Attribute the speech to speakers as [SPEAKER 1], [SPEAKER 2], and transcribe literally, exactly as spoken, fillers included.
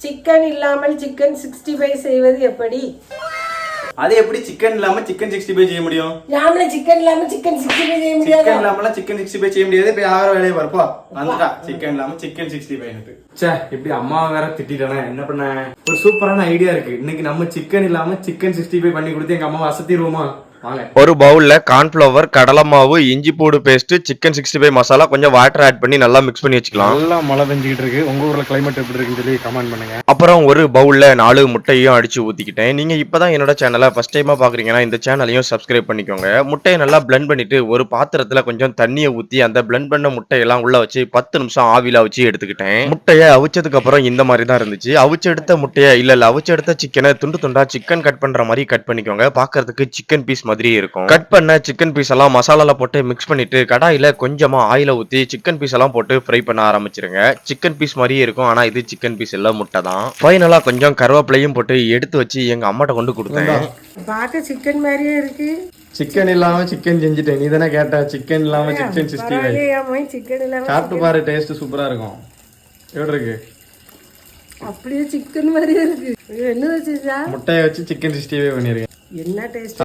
[SPEAKER 1] Chicken இல்லாமல் chicken sixty five செய்வது எப்படி?
[SPEAKER 2] அது எப்படி சிக்கன் இல்லாம சிக்கன் சிக்ஸ்டி ஃபைவ் செய்ய முடியும்?
[SPEAKER 1] நாமளே சிக்கன் இல்லாம சிக்கன் சிக்ஸ்டி ஃபைவ் செய்ய முடியாது.
[SPEAKER 2] சிக்கன் இல்லாம சிக்கன் சிக்ஸ்டி ஃபைவ் செய்ய முடியாது. இப்ப யார வேலைய வரப்போ வந்துட்டா சிக்கன் இல்லாம சிக்கன் சிக்ஸ்டி ஃபைவ் னு. ச்சே, இப்படி அம்மா வேற திட்டிட்டானே, என்ன பண்ண? ஒரு சூப்பரான ஐடியா இருக்கு. இன்னைக்கு நம்ம சிக்கன் இல்லாம சிக்கன் சிக்ஸ்டி ஃபைவ் பண்ணி கொடுத்து எங்க அம்மா அசத்திடுவோமா?
[SPEAKER 3] ஒரு பவுல்ல கார்ன்ஃபிளவர், கடலை மாவு, இஞ்சி பூடு paste, chicken sixty five masala, கொஞ்சம் வாட்டர் ஆட் பண்ணி நல்லா மிக்ஸ் பண்ணி வச்சுக்கலாம்.
[SPEAKER 2] நல்லா மழை பெஞ்சிட்டு இருக்கு. உங்க ஊர்ல கிளைமேட் எப்படி இருக்குன்னு சொல்லி கமெண்ட் பண்ணுங்க.
[SPEAKER 3] அப்புறம் ஒரு பவுல்ல நாலு முட்டையும் அடிச்சு ஊத்திக்கிட்டேன். நீங்க இப்பதான் என்னோட சேனலை ஃபர்ஸ்ட் டைமா பாக்குறீங்கன்னா இந்த சேனலையும் சப்ஸ்கிரைப் பண்ணிக்கோங்க. முட்டையை நல்லா பிளெண்ட் பண்ணிட்டு ஒரு பாத்திரத்துல கொஞ்சம் தண்ணியை ஊத்தி அந்த பிளெண்ட் பண்ண முட்டையெல்லாம் உள்ள வச்சு பத்து நிமிஷம் ஆவில வச்சு எடுத்துக்கிட்டேன். முட்டையை அவிச்சதுக்கு அப்புறம் இந்த மாதிரி தான் இருந்துச்சு. அவிச்சு எடுத்த முட்டையை இல்ல இல்ல அவிச்சு எடுத்த சிக்கனை துண்டு துண்டா சிக்கன் கட் பண்ற மாதிரி கட் பண்ணிக்கோங்க. பாக்குறதுக்கு சிக்கன் பீஸ் மாதிரி இருக்கும். கட் பண்ண சிக்கன் பீஸ் எல்லாம் மசாலால போட்டு மிக்ஸ் பண்ணிட்டு கடாயில கொஞ்சமா ஆயில ஊத்தி சிக்கன் பீஸ் எல்லாம் போட்டு ஃப்ரை பண்ண ஆரம்பிச்சிருங்க. சிக்கன் பீஸ் மாதிரியே இருக்கும், ஆனா இது சிக்கன் பீஸ் இல்ல, முட்டை தான். ஃபைனலா கொஞ்சம் கருவேப்பிலையும் போட்டு எடுத்து வச்சு எங்க அம்மாட்ட கொண்டு கொடுத்தேன்.
[SPEAKER 1] பார்க்க சிக்கன் மாதிரியே இருக்கு.
[SPEAKER 2] சிக்கன் இல்லாம சிக்கன் செஞ்சுட்டேன். நீ தானே கேட்ட சிக்கன் இல்லாம சிக்கன் சிக்ஸ்டி ஃபைவ்.
[SPEAKER 1] சிக்கன் இல்லாம
[SPEAKER 2] சாப்பிட்டு பாரு, டேஸ்ட் சூப்பரா இருக்கும். எப்படி இருக்கு?
[SPEAKER 1] அப்படியே சிக்கன் மாதிரியே இருக்கு. என்ன வச்சுச்சா?
[SPEAKER 2] முட்டையை வச்சு சிக்கன் சிக்ஸ்டி ஃபைவ் பண்ணிருக்கேன்.
[SPEAKER 1] என்ன டேஸ்ட்?